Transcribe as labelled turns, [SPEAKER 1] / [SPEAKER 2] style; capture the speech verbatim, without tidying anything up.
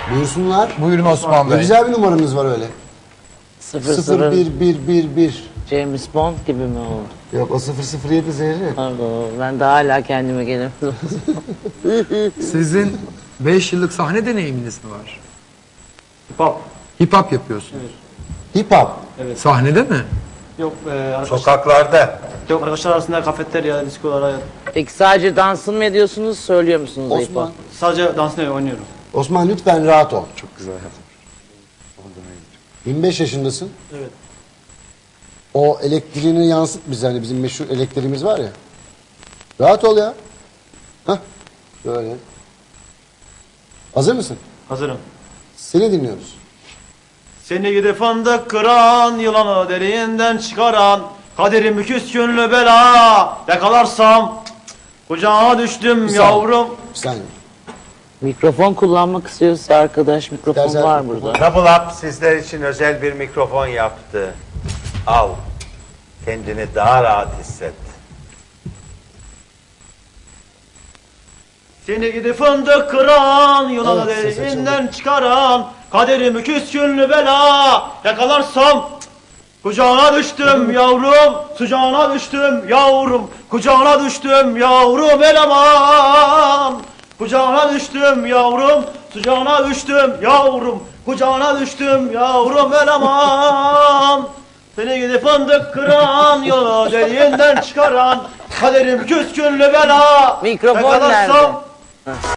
[SPEAKER 1] Buyursunlar.
[SPEAKER 2] Buyurun Osman
[SPEAKER 1] Ne
[SPEAKER 2] Bey.
[SPEAKER 1] güzel bir numaranız var öyle.
[SPEAKER 3] Sıfır
[SPEAKER 1] sıfır
[SPEAKER 3] sıfır
[SPEAKER 1] bir bir bir bir.
[SPEAKER 3] James Bond gibi mi oldu?
[SPEAKER 1] Yok o sıfır sıfır yedi Zehri.
[SPEAKER 3] Pardon, ben de hala kendime gelemedim.
[SPEAKER 2] Sizin beş yıllık sahne deneyiminiz mi var?
[SPEAKER 4] Hip hop.
[SPEAKER 2] Hip hop yapıyorsunuz.
[SPEAKER 1] Hip hop.
[SPEAKER 2] Sahnede mi?
[SPEAKER 4] Yok e, arkadaşlar,
[SPEAKER 5] Sokaklarda.
[SPEAKER 4] yok arkadaşlar arasında kafeterya, diskolara
[SPEAKER 3] Peki sadece dansın mı ediyorsunuz, söylüyor musunuz? hip hop?
[SPEAKER 1] Osman.
[SPEAKER 4] sadece dansını oynuyorum.
[SPEAKER 1] Osman lütfen rahat ol.
[SPEAKER 5] Çok güzel yapmış.
[SPEAKER 1] yirmi beş yaşındasın.
[SPEAKER 4] Evet.
[SPEAKER 1] O elektriğini yansıt bize, hani bizim meşhur elektriğimiz var ya. Rahat ol ya. Hah. Böyle. Hazır mısın?
[SPEAKER 4] Hazırım.
[SPEAKER 1] Seni dinliyoruz.
[SPEAKER 4] Seni gidip fındık kıran, yılanı derinden çıkaran, kaderim küskünlü bela, yakalarsam cık cık, kucağına düştüm
[SPEAKER 1] Bir
[SPEAKER 4] yavrum.
[SPEAKER 1] Bir saniye.
[SPEAKER 3] Mikrofon kullanmak istiyorsa arkadaş, mikrofon
[SPEAKER 1] İstersen-
[SPEAKER 3] var burada.
[SPEAKER 5] Double Up sizler için özel bir mikrofon yaptı. Al. Kendini daha rahat hisset.
[SPEAKER 4] Seni gidip fındık kıran, yılanı
[SPEAKER 1] Evet, ses
[SPEAKER 4] derinden çıkaran, kaderim küskünlü bela, yakalarsam cık cık, kucağına düştüm yavrum, sıcağına düştüm yavrum, kucağına düştüm yavrum eleman. Kucağına düştüm yavrum, sıcağına düştüm yavrum, kucağına düştüm yavrum eleman. Seni gidip fındık kıran, yolu deliğinden çıkaran, kaderim küskünlü bela,
[SPEAKER 3] Mikrofon
[SPEAKER 4] yakalarsam-
[SPEAKER 3] nerede?